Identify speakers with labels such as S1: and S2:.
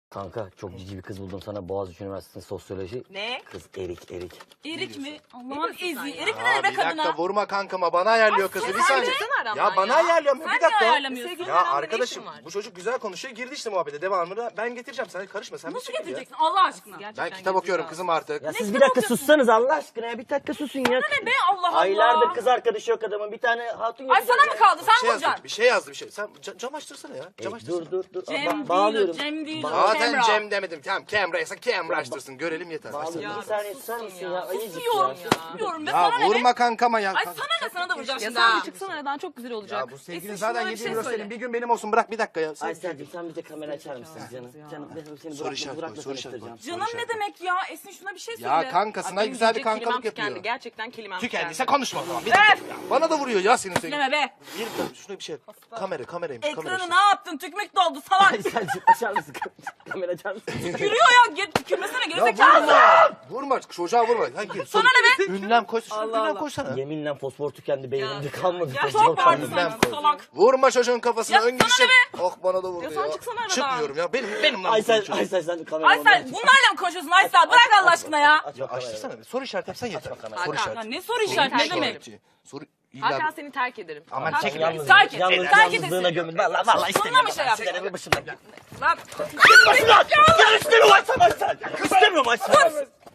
S1: Kanka çok cici bir kız buldum sana, Boğaziçi Üniversitesi'nde sosyoloji.
S2: Ne?
S1: Kız erik.
S3: Erik mi? Allah'ım ezi. Erik mi
S4: Aa,
S3: ne be
S4: bir dakika
S3: kadına?
S4: vurma kankama, bana ayarlıyor kızı bir saniye.
S2: aramdan
S4: Ya bana ayarlıyorum
S3: Sen
S4: bir
S3: niye
S4: dakika.
S3: ayarlamıyorsun?
S2: Sevgili-
S4: Ya
S2: aramda ne
S4: arkadaşım
S2: işin var?
S4: bu çocuk güzel konuşuyor, girdi işte muhabbete, devamını ben getireceğim, sen karışma, sen bir
S3: Nasıl
S4: çekil ya.
S3: getireceksin Allah aşkına?
S4: Ben kitap okuyorum kızım artık.
S1: Ya siz
S3: kitap
S1: bir dakika
S3: okuyorsun?
S1: sussanız Allah aşkına ya, bir dakika susun ya.
S3: Ne be Allah Allah.
S1: Aylardır kız arkadaşı yok adamın, bir tane hatun
S3: Ay
S1: yapacak
S3: sana mı kaldı?
S4: Bir
S3: Sen
S4: şey
S3: mi
S4: yazdı,
S3: bulacaksın?
S4: bir şey yazdı, bir şey. Sen cam açtırsana ya. Cam açtırsana.
S1: Dur.
S3: Cem değil o,
S1: Bağlıyorum.
S3: Cem değil o.
S4: Zaten
S3: Cemra.
S4: Cem demedim. Tamam, Camra'ysa Camra açtırsın. Görelim yeter.
S1: Bağlıyorum.
S2: Ya,
S1: Bir saniye
S2: susun
S1: susar mısın
S2: ya.
S1: ya? Ayıcık
S3: Susuyorum.
S1: ya.
S3: Susuyorum be
S4: Ya
S3: sana ne be?
S4: vurma kankama ya.
S3: Ay sana ne, sana da vuracağım
S2: Ya
S3: şimdi
S2: sen
S3: ha.
S2: bir çıksana aradan, çok güzel olacak.
S4: Ya bu sevgilin
S2: Esin,
S4: zaten
S2: şuna bir
S4: 7
S2: şey
S4: euro
S2: söyle.
S4: senin, bir gün benim olsun, bırak bir dakika ya. Sen...
S1: Aysel'cim sen bize kamera açar mısın canım? Canım ben seni
S4: Soru işareti koy,
S1: bırakma
S4: soru işareti
S1: tanıştıracağım.
S3: Canım ne demek ya? Esin şuna bir şey söyle.
S4: Ya kankasına
S2: Benim
S4: güzel bir
S2: diyecek
S4: kankalık
S2: kelimem tükendi.
S4: yapıyor.
S2: Gerçekten kelimem
S4: Tükendiyse
S2: tükendi.
S4: konuşma o zaman. Bir dakika ya. Bana da vuruyor ya senin sevgilin.
S3: Deme be.
S4: Bir dakika şuna bir şey. Kameraymış.
S3: Ekranı ne yaptın? Tükmek doldu salak.
S1: Aysel'cim açar mısın? Kamera açar mısın?
S3: Yürüyor ya. Kümesene
S4: Ya
S3: gerizekalı.
S4: vurma çocuğa vurma. Hayır,
S3: Sana ne be?
S4: Ünlem koy.
S2: Allah
S4: Ünlem
S2: Allah.
S4: koysana.
S1: Yeminle fosfor tükendi, beynimde kalmadı.
S2: Ya
S1: fosfor
S3: Çok vardı
S1: kalmadı.
S3: sanki salak.
S4: Vurma çocuğun kafasına.
S3: Ya
S4: ön
S3: sana
S4: girişim.
S3: ne
S4: Oh bana da vurdu
S2: Ya
S4: ya.
S2: sen çıksana aradan.
S4: Çıkmıyorum ya. Benim lan.
S1: Aysel sen kamera
S3: Aysel bunlarla mı konuşuyorsun Aysel? Bırak Allah aşkına ya.
S1: Aç
S4: Ya
S1: bak kamerayı.
S4: açtırsana. Soru işareti yapsan yeter.
S1: bakalım.
S4: Soru
S2: Hakan,
S3: Ya
S4: işareti.
S3: ne soru işareti ne demek?
S4: Soru
S2: Hakan
S4: illa.
S2: seni terk ederim.
S4: Aman
S2: Terk
S4: çekil.
S2: ederim.
S1: Yalnız,
S3: Terk et,
S1: yalnız,
S3: terk
S1: yalnızlığına
S3: edesin.
S1: gömül. Vallahi
S3: Sonuna mı şey yaptın?
S1: istemiyorum. Başımdan.
S3: Lan.
S1: İstemiyorum Aysel. İstemiyorum Aysel.